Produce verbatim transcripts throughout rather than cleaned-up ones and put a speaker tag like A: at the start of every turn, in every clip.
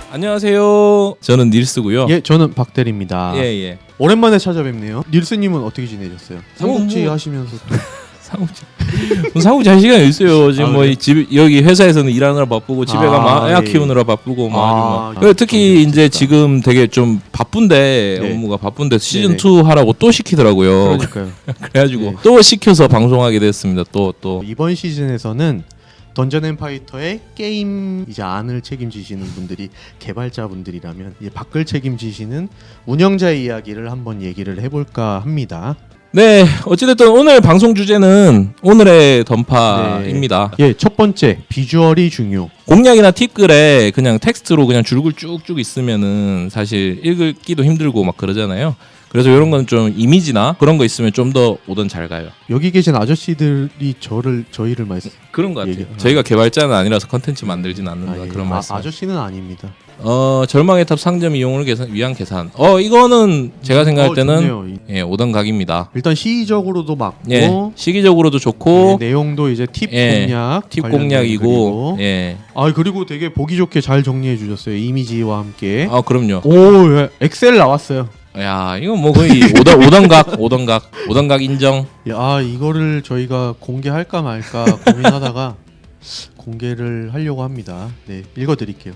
A: 안녕하세요. 저는 닐스고요.
B: 예, 저는 박대리입니다.
A: 예, 예.
B: 오랜만에 찾아뵙네요. 닐스님은 어떻게 지내셨어요? 삼국지
A: 뭐,
B: 하시면서 또
A: 사무직. 사무직 할 시간이 있어요. 지금
B: 아,
A: 뭐 집 여기 회사에서는 일하느라 바쁘고 집에
B: 아,
A: 가면 애
B: 예.
A: 키우느라 바쁘고 뭐
B: 아,
A: 아주 뭐. 특히
B: 아,
A: 이제 지금 되게 좀 바쁜데
B: 네.
A: 업무가 바쁜데 시즌
B: 네네.
A: 투 하라고 또 시키더라고요.
B: 그러니까요.
A: 그래가지고
B: 네.
A: 또 시켜서 방송하게 됐습니다. 또 또.
B: 이번 시즌에서는 던전 앤 파이터의 게임 이제 안을 책임지시는 분들이 개발자분들이라면 이제 밖을 책임지시는 운영자의 이야기를 한번 얘기를 해볼까 합니다.
A: 네, 어찌됐든 오늘 방송 주제는 오늘의 던파입니다.
B: 예, 첫 번째 비주얼이 중요.
A: 공략이나 팁글에 그냥 텍스트로 그냥 줄글 쭉쭉 있으면은 사실 읽기도 힘들고 막 그러잖아요. 그래서 이런 건 좀 이미지나 그런 거 있으면 좀 더 오던 잘 가요.
B: 여기 계신 아저씨들이 저를 저희를 말씀
A: 그런 것 같아요.
B: 얘기-
A: 저희가 개발자는 아니라서 컨텐츠 만들지는 않는다.
B: 아, 예.
A: 그런
B: 아,
A: 말씀.
B: 아저씨는 아닙니다.
A: 어 절망의 탑 상점 이용을 계산, 위한 계산. 어 이거는 제가 생각할
B: 어,
A: 때는
B: 좋네요.
A: 예 오던 각입니다.
B: 일단 시의적으로도 맞고
A: 예 시기적으로도 좋고
B: 네, 내용도 이제 팁
A: 예,
B: 공략
A: 팁
B: 관련된
A: 공략이고
B: 글이고.
A: 예.
B: 아 그리고 되게 보기 좋게 잘 정리해 주셨어요. 이미지와 함께.
A: 아 그럼요.
B: 오, 예. 엑셀 나왔어요.
A: 야 이건 뭐 거의 오던 오던각 오던각 오던각 인정.
B: 야, 이거를 저희가 공개할까 말까 고민하다가 공개를 하려고 합니다. 네, 읽어드릴게요.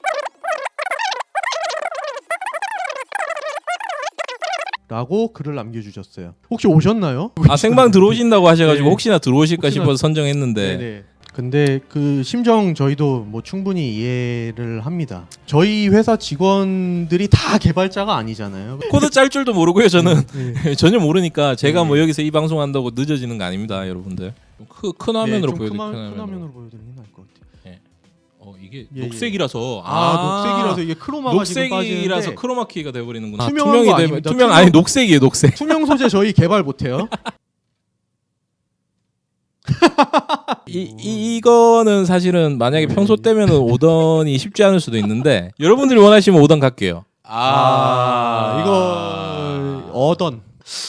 B: 라고 글을 남겨주셨어요. 혹시 오셨나요?
A: 아 생방 들어오신다고 하셔가지고
B: 네.
A: 혹시나 들어오실까
B: 혹시나-
A: 싶어서 선정했는데
B: 네네. 근데 그 심정 저희도 뭐 충분히 이해를 합니다. 저희 회사 직원들이 다 개발자가 아니잖아요.
A: 코드 짤 줄도 모르고요 저는
B: 네.
A: 전혀 모르니까 제가
B: 네.
A: 뭐 여기서 이 방송 한다고 늦어지는 거 아닙니다 여러분들. 크, 큰 화면으로
B: 네, 좀
A: 보여드릴게요.
B: 큰,
A: 큰
B: 화- 큰
A: 화면으로.
B: 화면으로 보여드리는 게 나을 것 같아요.
A: 어 이게
B: 예,
A: 녹색이라서
B: 아, 녹색이라서 이게 크로마가 지금
A: 녹색이라서
B: 빠지는데
A: 크로마키가 돼버리는구나.
B: 투명한
A: 투명이
B: 거
A: 되면
B: 아닙니다.
A: 투명
B: 투명-
A: 아니 녹색이에요 녹색.
B: 투명 소재 저희 개발 못해요.
A: 이, 이 이거는 사실은 만약에 평소 때면은 오던이 쉽지 않을 수도 있는데 여러분들이 원하시면 오던 갈게요.
B: 아, 이거 어던.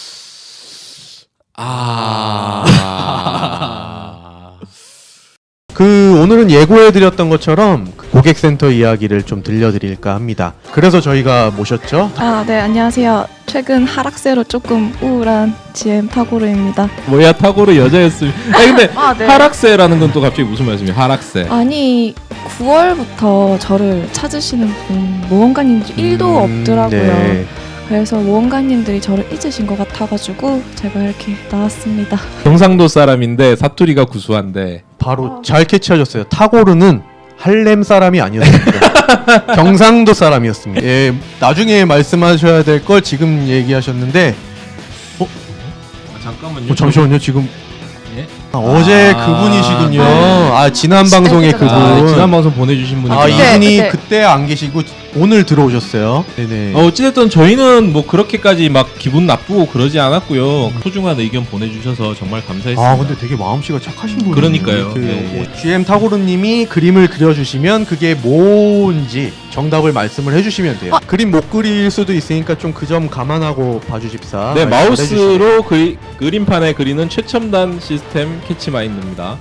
A: 아.
B: 그 오늘은 예고해드렸던 것처럼 그 고객센터 이야기를 좀 들려드릴까 합니다. 그래서 저희가 모셨죠.
C: 아, 네, 안녕하세요. 최근 하락세로 조금 우울한 지엠 타고르입니다.
A: 뭐야 타고르 여자였으면. 아니 근데
C: 아, 네.
A: 하락세라는 건 또 갑자기 무슨 말씀이에요? 하락세.
C: 아니, 구월부터 저를 찾으시는 분 모험가님들 일도
B: 음,
C: 없더라고요.
B: 네.
C: 그래서 모험가님들이 저를 잊으신 것 같아가지고 제가 이렇게 나왔습니다.
A: 경상도 사람인데 사투리가 구수한데.
B: 바로 잘 캐치하셨어요. 타고르는 할렘 사람이 아니었습니다. 경상도 사람이었습니다. 예, 나중에 말씀하셔야 될 걸 지금 얘기하셨는데
A: 아, 잠깐만요.
B: 어, 잠시만요. 지금
A: 예?
B: 아, 어제
A: 아,
B: 그분이시군요.
A: 네.
B: 아 지난 방송에 그분.
A: 아, 지난 방송 보내주신 분이.
B: 아
C: 네,
B: 이분이
C: 네.
B: 그때 안 계시고 오늘 들어오셨어요. 네네.
A: 어, 어찌됐든 저희는 뭐 그렇게까지 막 기분 나쁘고 그러지 않았고요. 소중한 의견 보내주셔서 정말 감사했습니다.
B: 아 근데 되게 마음씨가 착하신 분이에요.
A: 그러니까요.
B: 그,
A: 네,
B: 뭐
A: 네.
B: 지엠 타고르님이 그림을 그려주시면 그게 뭔지 정답을 말씀을 해주시면 돼요. 그림 못 그릴 수도 있으니까 좀 그 점 감안하고 봐주십사.
A: 네,
B: 말씀을 해주시면.
A: 마우스로 그리, 그림판에 그리는 최첨단 시스템 캐치마인드입니다.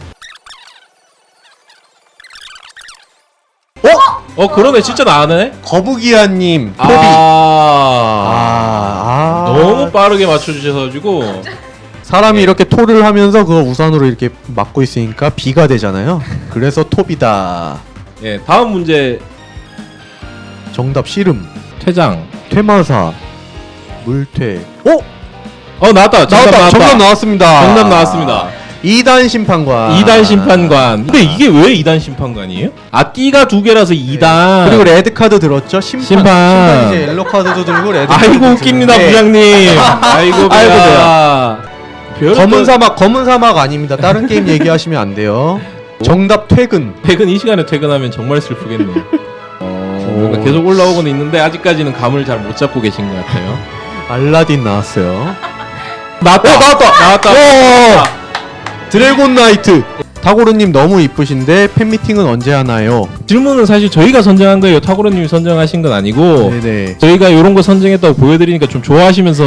B: 어?
A: 어 그러네 진짜 나네.
B: 거북이야님
A: 아,
B: 토비.
A: 아,
B: 아, 아.
A: 너무 빠르게 맞춰주셔가지고
B: 사람이
A: 네.
B: 이렇게 토를 하면서 그거 우산으로 이렇게 막고 있으니까 비가 되잖아요. 그래서 토비다.
A: 예 다음 문제
B: 정답 씨름,
A: 퇴장.
B: 퇴마사, 물퇴. 어?
A: 어 나왔다. 정답
B: 나왔다.
A: 나왔다.
B: 정답 나왔습니다.
A: 정답 나왔습니다.
B: 이 단 심판관.
A: 이 단 심판관. 근데 이게 왜 이 단 심판관이에요? 아 띠가 두 개라서 이 단.
B: 그리고 레드 카드 들었죠? 심판.
A: 심판.
B: 심판 이제 옐로 카드도 들고 레드 카드도
A: 아이고
B: 들고.
A: 웃깁니다
B: 네.
A: 부장님. 아이고
B: 아이고,
A: 배야.
B: 검은 사막, 검은 사막 아닙니다. 다른 게임 얘기하시면 안 돼요. 정답 퇴근.
A: 퇴근 이 시간에 퇴근하면 정말 슬프겠네요. 어, 뭔가 계속 올라오고는 있는데 아직까지는 감을 잘 못 잡고 계신 것 같아요.
B: 알라딘 나왔어요.
A: 나왔다.
B: 어, 나왔다.
A: 나왔다.
B: 오! 드래곤 나이트. 타고르님 너무 이쁘신데 팬미팅은 언제 하나요?
A: 질문은 사실 저희가 선정한 거예요. 타고로님이 선정하신 건 아니고
B: 네네.
A: 저희가 이런 거 선정했다고 보여드리니까 좀 좋아하시면서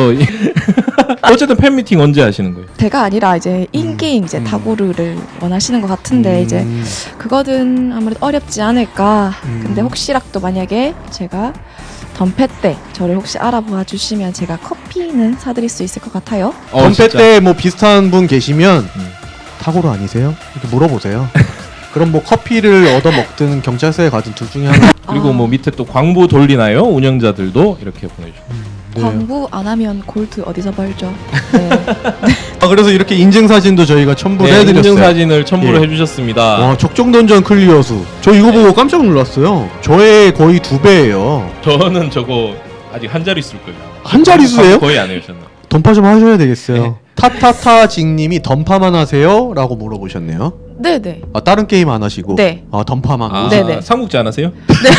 A: 어쨌든 팬미팅 언제 하시는 거예요?
C: 제가 아니라 이제 인게임 이제
B: 음.
C: 타고르를 원하시는 것 같은데
B: 음.
C: 이제 그거는 아무래도 어렵지 않을까.
B: 음.
C: 근데 혹시라도 만약에 제가 덤페 때 저를 혹시 알아봐 주시면 제가 커피는 사드릴 수 있을 것 같아요.
A: 어,
B: 덤페
A: 진짜.
B: 때 뭐 비슷한 분 계시면
A: 음.
B: 타고르 아니세요? 이렇게 물어보세요. 그럼 뭐 커피를 얻어 먹든 경찰서에 가든 둘 중에 하나.
A: 그리고
C: 아.
A: 뭐 밑에 또 광고 돌리나요? 운영자들도 이렇게 보내주고.
B: 네.
C: 광고 안 하면 골드 어디서 벌죠? 네.
B: 아, 그래서 이렇게 인증 사진도 저희가 첨부를
A: 네,
B: 해드렸어요.
A: 인증 사진을 첨부를
B: 예.
A: 해주셨습니다.
B: 와, 적정던전 클리어 수. 저 이거 보고 깜짝 놀랐어요. 저의 거의 두 배예요.
A: 저는 저거 아직 한 자리 쓸 거예요.
B: 한 자릿수예요?
A: 거의 안 해주셨나?
B: 던파 좀 하셔야 되겠어요.
A: 네.
B: 타타타직님이 던파만 하세요? 라고 물어보셨네요.
C: 네네.
B: 아, 다른 게임 안 하시고?
C: 네.
B: 아, 던파만.
A: 아,
C: 네네.
A: 삼국지 안 하세요?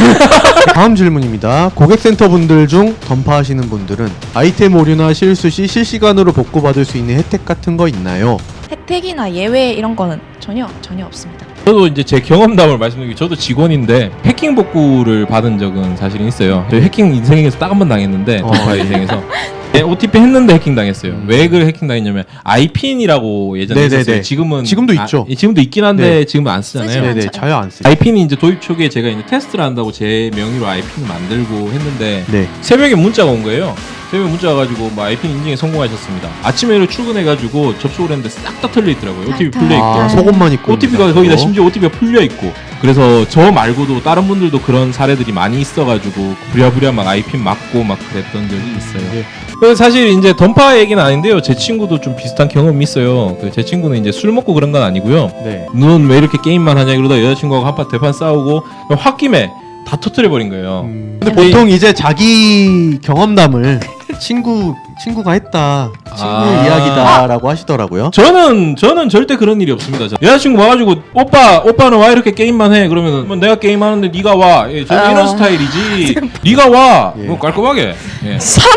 B: 다음 질문입니다. 고객센터 분들 중 던파하시는 분들은 아이템 오류나 실수 시 실시간으로 복구받을 수 있는 혜택 같은 거 있나요?
C: 혜택이나 예외 이런 거는 전혀 전혀 없습니다.
A: 저도 이제 제 경험담을 말씀드리기 저도 직원인데 해킹 복구를 받은 적은 사실은 있어요. 저희 해킹 인생에서 딱 한 번 당했는데
B: 어.
A: 던파 인생에서 네, 오티피 했는데 해킹 당했어요.
B: 음.
A: 왜 그 해킹 당했냐면 아이핀이라고 예전에
B: 네네네.
A: 있었어요. 지금은
B: 지금도
A: 아,
B: 있죠.
A: 예, 지금도 있긴 한데
B: 네.
A: 지금은 안 쓰잖아요.
C: 쓰지
B: 네네,
C: 않죠.
B: 자유 안 쓰죠.
A: 아이핀이 이제 도입 초기에 제가 이제 테스트를 한다고 제 명의로 아이핀을 만들고 했는데
B: 네.
A: 새벽에 문자가 온 거예요. 새벽에 문자 와가지고 뭐 아이핀 인증에 성공하셨습니다. 아침에 일어 출근해가지고 접속을 했는데 싹 다 털려 있더라고요. 오티피 풀려 있고.
B: 아, 속옷만 입고.
A: 오티피가
B: 있는
A: 거기다
B: 거.
A: 심지어 오티피가 풀려 있고. 그래서 저 말고도 다른 분들도 그런 사례들이 많이 있어가지고 부랴부랴 막 아이핀 맞고 막 그랬던 적이 있어요.
B: 예.
A: 그래서 사실 이제 던파 얘기는 아닌데요. 제 친구도 좀 비슷한 경험이 있어요. 그 제 친구는 이제 술 먹고 그런 건 아니고요.
B: 네.
A: 넌 왜 이렇게 게임만 하냐 그러다 여자친구하고 한판 대판 싸우고 홧김에 다 터트려 버린 거예요.
B: 음, 근데 보통 이제 자기 경험담을 친구 친구가 했다, 친구
A: 아.
B: 이야기다라고 하시더라고요.
A: 저는 저는 절대 그런 일이 없습니다. 저. 여자친구 와가지고 오빠 오빠는 와 이렇게 게임만 해 그러면 뭐 내가 게임하는데 네가 와. 예, 저는
C: 아.
A: 이런 스타일이지. 네가 와.
B: 예.
A: 뭐 깔끔하게. 예.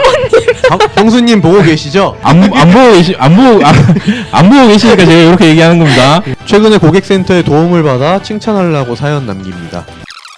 B: 형- 형수님 보고 계시죠?
A: 안, 안 보고 계시 안 보고 안, 안 보고 계시니까 제가 이렇게 얘기하는 겁니다.
B: 최근에 고객센터에 도움을 받아 칭찬하려고 사연 남깁니다.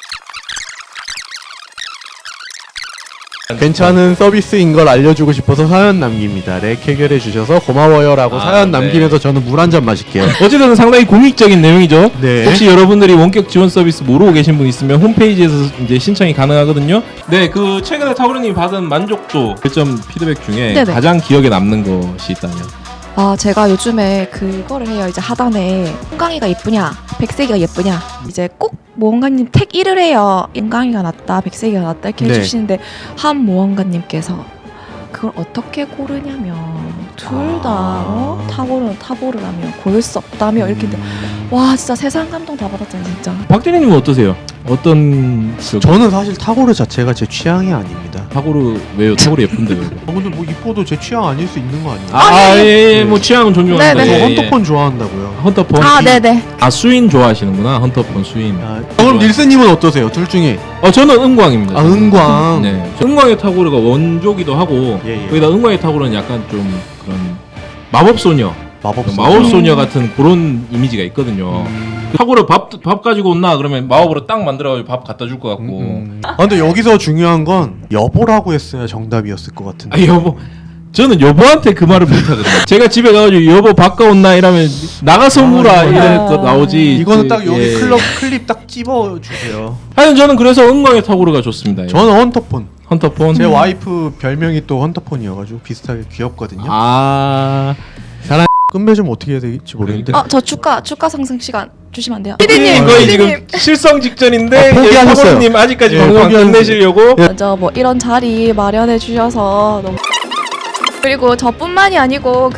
B: 괜찮은 서비스인 걸 알려주고 싶어서 사연 남깁니다. 렉 해결해 주셔서 고마워요라고
A: 아,
B: 사연
A: 네.
B: 남기면서 저는 물 한 잔 마실게요.
A: 어쨌든 상당히 공익적인 내용이죠.
B: 네.
A: 혹시 여러분들이 원격 지원 서비스 모르고 계신 분 있으면 홈페이지에서 이제 신청이 가능하거든요. 네, 그 최근에 타브르님이 받은 만족도 별점 피드백 중에
C: 네네.
A: 가장 기억에 남는 것이 있다면.
C: 아 제가 요즘에 그거를 해요. 이제 하단에 홍강이가 예쁘냐 백색이가 예쁘냐 이제 꼭 모험가님 택 일을 해요. 홍강이가 낫다 백색이가 낫다 이렇게
B: 네.
C: 해주시는데 한 모험가님께서 그걸 어떻게 고르냐면 둘 다
B: 아.
C: 어? 타고르는 타고르라며 고를 수 없다며 이렇게
B: 음.
C: 와 진짜 세상 감동 다 받았잖아요 진짜.
A: 박대리님은 어떠세요? 어떤 그
B: 저는 사실 타고르 자체가 제 취향이 아닙니다.
A: 타고르 왜요? 타고르 예쁜데요.
B: 어, 근데 뭐 이뻐도 제 취향 아닐 수 있는 거 아니에요?
A: 아,
C: 아,
A: 예, 예,
B: 네.
A: 뭐 취향은 존중합니다.
C: 네네.
B: 저
A: 예, 예.
B: 헌터폰 좋아한다고요.
A: 헌터폰.
C: 아 네네.
A: 아 수인 좋아하시는구나. 헌터폰 수인.
B: 아, 그럼 닐스님은 어떠세요? 둘 중에
A: 어 저는 은광입니다.
B: 아 은광.
A: 네. 은광의 타고르가 원조기도 하고
B: 예, 예.
A: 거기다 은광의 타고르는 약간 좀 그런 마법 소녀,
B: 마법
A: 마법 소녀 같은 그런 이미지가 있거든요.
B: 음.
A: 타고르 밥 밥 가지고 온나 그러면 마법으로 딱 만들어가지고 밥 갖다 줄 것 같고.
B: 음. 아 근데 여기서 중요한 건 여보라고 했어야 정답이었을 것 같은데.
A: 아 여보. 저는 여보한테 그 말을 못하거든요. 제가 집에 가가지고 여보 밥 가온나 이러면 나가서 물어
B: 아,
A: 이런
C: 아.
A: 거 나오지.
B: 이거는
A: 그,
B: 딱 여기
A: 예.
B: 클럽 클립 딱 집어 주세요.
A: 하여튼 저는 그래서 은광의 타고르가 좋습니다. 예.
B: 저는 헌터폰.
A: 헌터폰.
B: 제 와이프 별명이 또 헌터폰이어가지고 비슷하게 귀엽거든요.
A: 아.
B: 끝맺음 좀 어떻게 해야 될지 모르겠는데.
C: 아 저 주가 주가 상승 시간 주시면 안 돼요?
A: 피디님 거의 지금 실성 직전인데
B: 아, 포기하셨어요.
A: 타고르님 아직까지
B: 예,
A: 방송 안
B: 포기하셨어요.
A: 끝내시려고.
B: 예.
C: 먼저 뭐 이런 자리 마련해 주셔서 너무 그리고 저뿐만이 아니고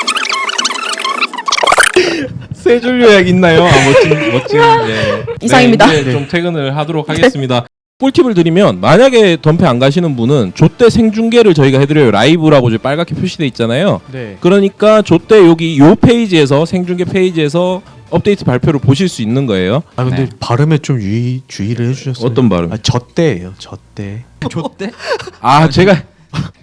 A: 세 줄 요약 있나요? 아, 멋진 멋진. 네.
C: 이상입니다.
A: 네, 이제 좀 퇴근을 하도록 하겠습니다. 꿀팁을 드리면 만약에 덤페 안 가시는 분은 조때 생중계를 저희가 해드려요. 라이브라고 이제 빨갛게 표시돼 있잖아요.
B: 네.
A: 그러니까 조때 여기 요 페이지에서 생중계 페이지에서 업데이트 발표를 보실 수 있는 거예요.
B: 아 근데
A: 네.
B: 발음에 좀 유의 주의를 해주셨어요.
A: 어떤 발음?
B: 아 저때예요. 저때. 저때?
A: 아 제가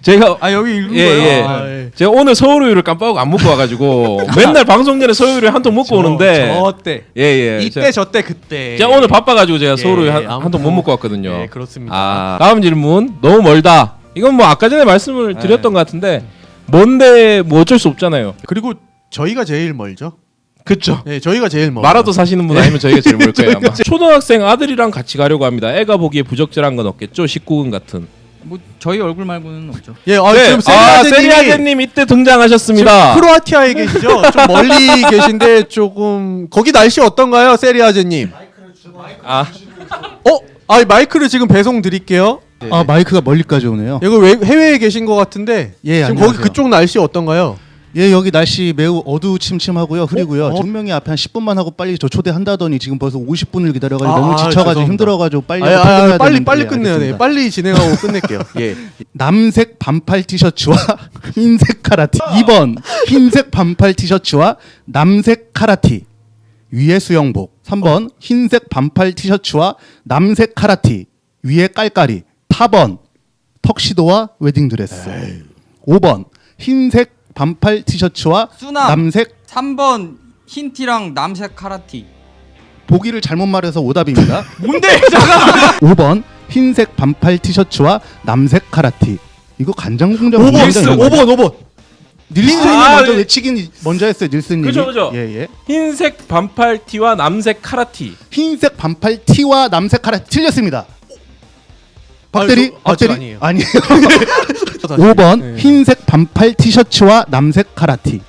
A: 제가
D: 아 여기 읽은
A: 예,
D: 거예요.
A: 예.
D: 아, 예.
A: 제가 오늘 서울우유를 깜빡하고 안 먹고 와가지고 맨날 방송 전에 서울우유 한 통 먹고 오는데
D: 저때
A: 예예
D: 이때 저때 그때.
A: 제가 오늘 바빠가지고 제가
B: 예,
A: 서울우유 한
B: 아무튼
A: 통 못 먹고 왔거든요.
B: 네, 그렇습니다.
A: 아 다음 질문 너무 멀다. 이건 뭐 아까 전에 말씀을
D: 네.
A: 드렸던 것 같은데 뭔데 뭐 어쩔 수 없잖아요.
B: 그리고 저희가 제일 멀죠.
A: 그쵸.
B: 네, 저희가 제일 멀.
A: 마라도 사시는 분 아니면 저희가 제일 멀 거예요 아마. 초등학생 아들이랑 같이 가려고 합니다. 애가 보기에 부적절한 건 없겠죠? 십구 금 같은.
D: 뭐 저희 얼굴 말고는 없죠.
B: 예, 아,
A: 네.
B: 지금
A: 아,
B: 세리아제님이
A: 세리아제님 이때 등장하셨습니다.
B: 지금 크로아티아에 계시죠? 좀 멀리 계신데 조금 거기 날씨 어떤가요, 세리아제님?
A: 아,
B: 어? 아, 마이크를 지금 배송 드릴게요. 네.
E: 아 마이크가 멀리까지 오네요.
B: 이거 외, 해외에 계신 것 같은데
E: 예,
B: 지금
E: 안녕하세요.
B: 거기 그쪽 날씨 어떤가요?
E: 예 여기 날씨 매우 어두침침하고요 흐리고요.
B: 어?
E: 증명이 앞에 한 십 분만 하고 빨리 저 초대한다더니 지금 벌써 오십 분을 기다려가지고
B: 아,
E: 너무
B: 아,
E: 지쳐가지고
B: 죄송합니다.
E: 힘들어가지고 빨리
B: 아, 아, 아,
E: 끝내야
B: 빨리
E: 되는데,
B: 빨리
E: 예,
B: 끝내야 돼.
E: 알겠습니다.
B: 빨리 진행하고 끝낼게요. 예.
E: 남색 반팔 티셔츠와 흰색 카라티. 이 번 흰색 반팔 티셔츠와 남색 카라티 위에 수영복. 삼 번 흰색 반팔 티셔츠와 남색 카라티 위에 깔깔이. 사 번 턱시도와 웨딩드레스. 오 번 흰색 반팔 티셔츠와
D: 수남.
E: 남색.
D: 삼 번 흰티랑 남색 카라티.
E: 보기를 잘못 말해서 오답입니다.
D: 뭔데? 잠깐만.
E: 오 번 흰색 반팔 티셔츠와 남색 카라티. 이거 간장 공장
B: 오 번,
E: 굉장히
B: 오 번, 오 번.
E: 닐슨이
A: 아,
E: 먼저
A: 네.
E: 외치긴 먼저 했어요. 닐슨님이.
A: 그죠, 그죠.
E: 예, 예.
A: 흰색 반팔 티와 남색 카라티.
E: 흰색 반팔 티와 남색 카라티 틀렸습니다. 박대리,
B: 아, 저- 아, 저
E: 박대리
B: 아니에요.
E: 아니에요. 오 번
B: 네.
E: 흰색 반팔 티셔츠와 남색 카라티.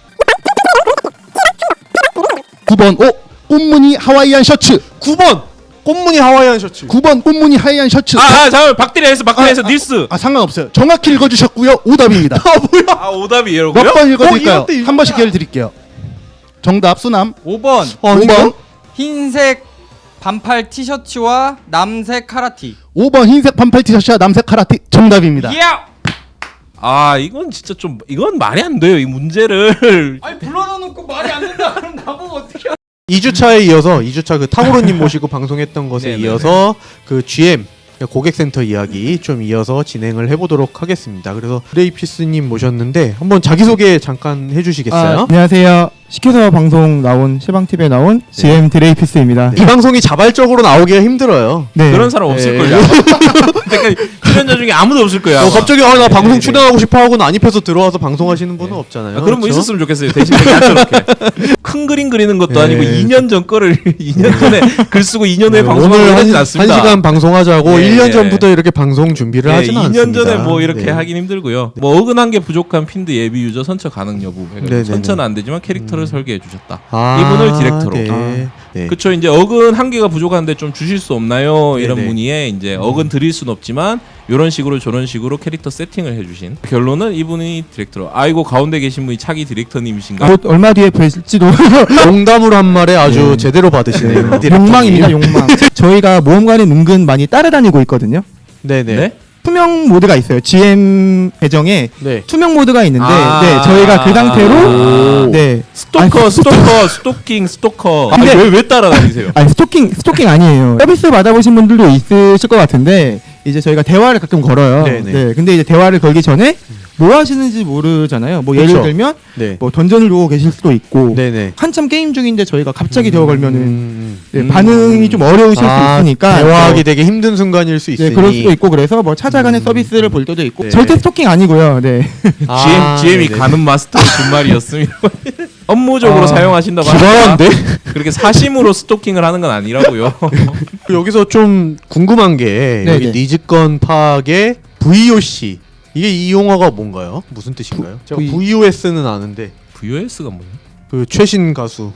E: 구 번 오 꽃무늬 하와이안 셔츠.
B: 구 번 꽃무늬 하와이안 셔츠.
E: 구 번 꽃무늬 하와이안 셔츠.
A: 아, 아 잠깐만 박대리에서 박대리에서 닐스.
E: 아 상관없어요. 정확히 읽어주셨고요. 오답입니다.
A: 아 오답이에요.
E: 몇 번 읽어드릴까요?
B: 어, 이것도
E: 한 번씩 기회를 드릴게요. 정답 수남.
D: 오 번
B: 어,
E: 오 번
D: 흰색 반팔 티셔츠와 남색 카라티.
E: 오 번 흰색 반팔 티셔츠와 남색 카라티 정답입니다.
D: 예!
A: 아 이건 진짜 좀 이건 말이 안 돼요 이 문제를.
D: 아니 불러놓고 말이 안 된다. 그럼 나보고 어떻게?
B: 이 주차에 이어서 이 주차 그 탕후루님 모시고 방송했던 것에
A: 네네네.
B: 이어서 그 지엠 고객센터 이야기 좀 이어서 진행을 해보도록 하겠습니다. 그래서 브레이피스님 모셨는데 한번 자기소개 잠깐 해주시겠어요?
F: 아, 안녕하세요. 시켜서 방송 나온 시방티비에 나온 지엠 드레이피스입니다.
B: 이 방송이 자발적으로 나오기가 힘들어요.
F: 네.
A: 그런 사람 없을
B: 네.
A: 걸요. 그러니까 출연자 중에 아무도 없을 거야.
B: 어,
A: 아마.
B: 갑자기 아, 나 방송
A: 네,
B: 출연하고 싶어 하고 난입해서 들어와서 방송하시는 분은 없잖아요.
A: 아, 그런 분
B: 그렇죠?
A: 있었으면 좋겠어요. 대신 되게 저렇게 큰 그림 그리는 것도
B: 네.
A: 아니고 이 년 전 거를 이 년 전에 글 쓰고 이 년 후에
B: 네,
A: 방송하고
B: 오늘 한,
A: 하진
B: 한
A: 않습니다.
B: 시간 방송하자고
A: 네,
B: 일 년
A: 네.
B: 전부터 이렇게 방송 준비를
A: 네,
B: 하지는
A: 이 년
B: 않습니다.
A: 전에 뭐 이렇게
B: 네.
A: 하긴 힘들고요. 뭐 어긋난 게 부족한 핀드 예비 유저 선처 가능 여부.
B: 네네네.
A: 선처는 안 되지만 캐릭터를 설계해 주셨다.
B: 아,
A: 이분을 디렉터로.
B: 네.
A: 아.
B: 네.
A: 그쵸 이제 어근 한 개가 부족한데 좀 주실 수 없나요? 이런
B: 네네.
A: 문의에 이제 어근 드릴 순 없지만 이런 식으로 저런 식으로 캐릭터 세팅을 해주신 결론은 이분이 디렉터로. 아이고 가운데 계신 분이 차기 디렉터님이신가?
F: 곧 얼마 뒤에 뵐지도
B: 농담으로 한 말에 아주
F: 네.
B: 제대로 받으시네요. 디렉터님.
F: 욕망입니다. 욕망. 저희가 모험가는 은근 많이 따라다니고 있거든요.
B: 네네.
A: 네?
F: 투명 모드가 있어요. 지엠 계정에
B: 네.
F: 투명 모드가 있는데
A: 아.
F: 네, 저희가 그 상태로
A: 오.
F: 네.
A: 스토커,
F: 아니,
A: 스토커, 스토킹, 스토커.
F: 근데-
A: 아니, 왜, 왜 따라다니세요?
F: 아니 스토킹 스토킹 아니에요. 서비스 받아보신 분들도 있으실 것 같은데 이제 저희가 대화를 가끔 걸어요.
B: 네네.
F: 네. 근데 이제 대화를 걸기 전에 뭐 하시는지 모르잖아요. 뭐 예를
B: 그쵸.
F: 들면
B: 네.
F: 뭐 던전을 두고 계실 수도 있고
B: 네네.
F: 한참 게임 중인데 저희가 갑자기 대화 걸면은
B: 음,
F: 네,
B: 음.
F: 반응이 좀 어려우실
B: 아,
F: 수 있으니까
B: 대화하기
F: 뭐,
B: 되게 힘든 순간일 수 있으니.
F: 네, 그럴 수도 있고 그래서 뭐 찾아가는
B: 음.
F: 서비스를 볼 때도 있고
B: 네.
F: 절대 스토킹 아니고요. 네.
B: 아,
A: 지엠, 지엠이
B: 네네.
A: 가는 마스터의 준말이었습니다. 업무적으로
F: 아,
A: 사용하신다고
B: 기발한데?
A: 하니까 그렇게 사심으로 스토킹을 하는 건 아니라고요.
B: 여기서 좀 궁금한 게
F: 네네.
B: 여기 니즈건 파악의 브이오씨 이게 이 용어가 뭔가요? 무슨 뜻인가요? 제가
F: V-
B: 브이오에스는 아는데
A: 브이오에스가 뭐예요?
B: 그 최신 가수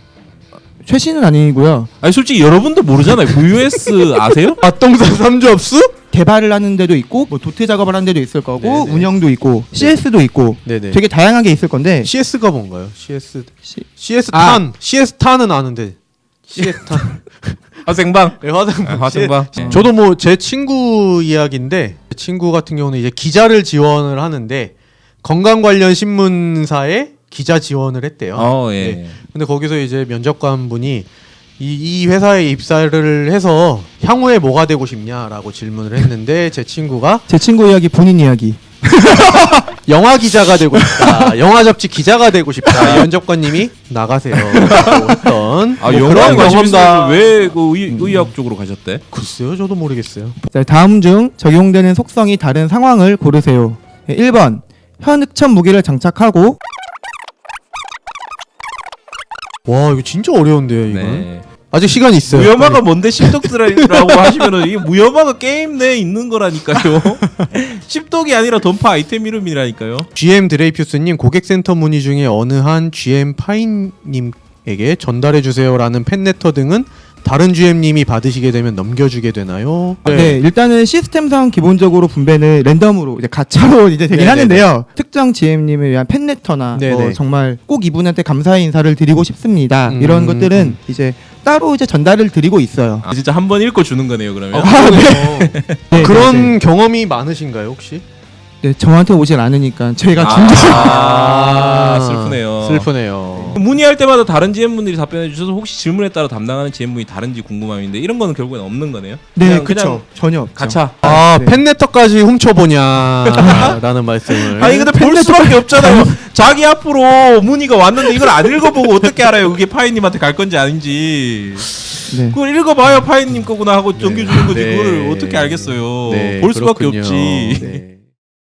F: 최신은 아니고요.
A: 아니 솔직히 여러분도 모르잖아요. 브이오에스 아세요?
B: 아동산 삼접수?
F: 개발을 하는 데도 있고 뭐 도태 작업을 하는 데도 있을 거고
B: 네네.
F: 운영도 있고 씨에스도 있고
B: 네네.
F: 되게 다양하게 있을 건데
B: 씨에스가 뭔가요? 씨에스
F: 시-
B: CS
A: 아.
B: 탄 씨에스 탄은 아는데 씨에스 탄
A: 화생방.
B: 네, 화생
A: 아, 화생방.
B: 씨- 저도 뭐 제 친구 이야기인데 제 친구 같은 경우는 이제 기자를 지원을 하는데 건강 관련 신문사에 기자 지원을 했대요.
A: 어, 예.
B: 네. 근데 거기서 이제 면접관 분이 이, 이 회사에 입사를 해서 향후에 뭐가 되고 싶냐라고 질문을 했는데 제 친구가
F: 제 친구 이야기 본인 이야기
B: 영화 기자가 되고 싶다. 영화 잡지 기자가 되고 싶다. 연접관님이 나가세요. 어떤
A: 아,
B: 뭐
A: 영화에
B: 그런
A: 관심 있어서
B: 경험다.
A: 왜그 의학 쪽으로 가셨대?
B: 글쎄요, 저도 모르겠어요.
F: 자, 다음 중 적용되는 속성이 다른 상황을 고르세요. 일 번 현흑천 무기를 장착하고
B: 와, 이거 진짜 어려운데요, 이거.
A: 네.
B: 아직 시간 있어요.
A: 무혐화가 뭔데 십독들이라고 하시면은 이게 무혐화가 게임 내에 있는 거라니까요. 십독이 아니라 던파 아이템 이름이라니까요.
B: 지엠 드레이퓨스님 고객센터 문의 중에 어느 한 지엠 파인님에게 전달해 주세요라는 팬레터 등은 다른 지엠님이 받으시게 되면 넘겨주게 되나요?
F: 네. 일단은 시스템상 기본적으로 분배는 랜덤으로 이제 가차로 이제 되긴
B: 네네네.
F: 하는데요. 특정 지엠님을 위한 팬레터나 뭐
B: 네네.
F: 정말 꼭 이분한테 감사의 인사를 드리고 싶습니다.
B: 음,
F: 이런 것들은
B: 음.
F: 이제 따로 이제 전달을 드리고 있어요.
A: 아, 진짜 한 번 읽고 주는 거네요, 그러면.
F: 네,
B: 그런
F: 네, 네.
B: 경험이 많으신가요, 혹시?
F: 네, 저한테 오질 않으니까 저희가 준비를
A: 아, 슬프네요.
B: 슬프네요.
A: 문의할 때마다 다른 지엠분들이 답변해 주셔서 혹시 질문에 따라 담당하는 지엠분이 다른지 궁금함인데 이런 거는 결국엔 없는 거네요.
F: 네,
A: 그냥,
F: 그렇죠.
A: 그냥
F: 전혀 없죠.
A: 가차.
B: 아,
F: 네.
B: 팬레터까지 훔쳐보냐라는 말씀을.
A: 아니 근데 볼 수밖에 없잖아요. 자기 앞으로 문의가 왔는데 이걸 안 읽어보고 어떻게 알아요? 그게 파이님한테 갈 건지 아닌지.
F: 네.
A: 그걸 읽어봐야 파이님 거구나 하고 넘겨주는 거지.
B: 네.
A: 그거를 어떻게 알겠어요?
B: 네,
A: 볼 수밖에
B: 그렇군요.
A: 없지.
B: 네.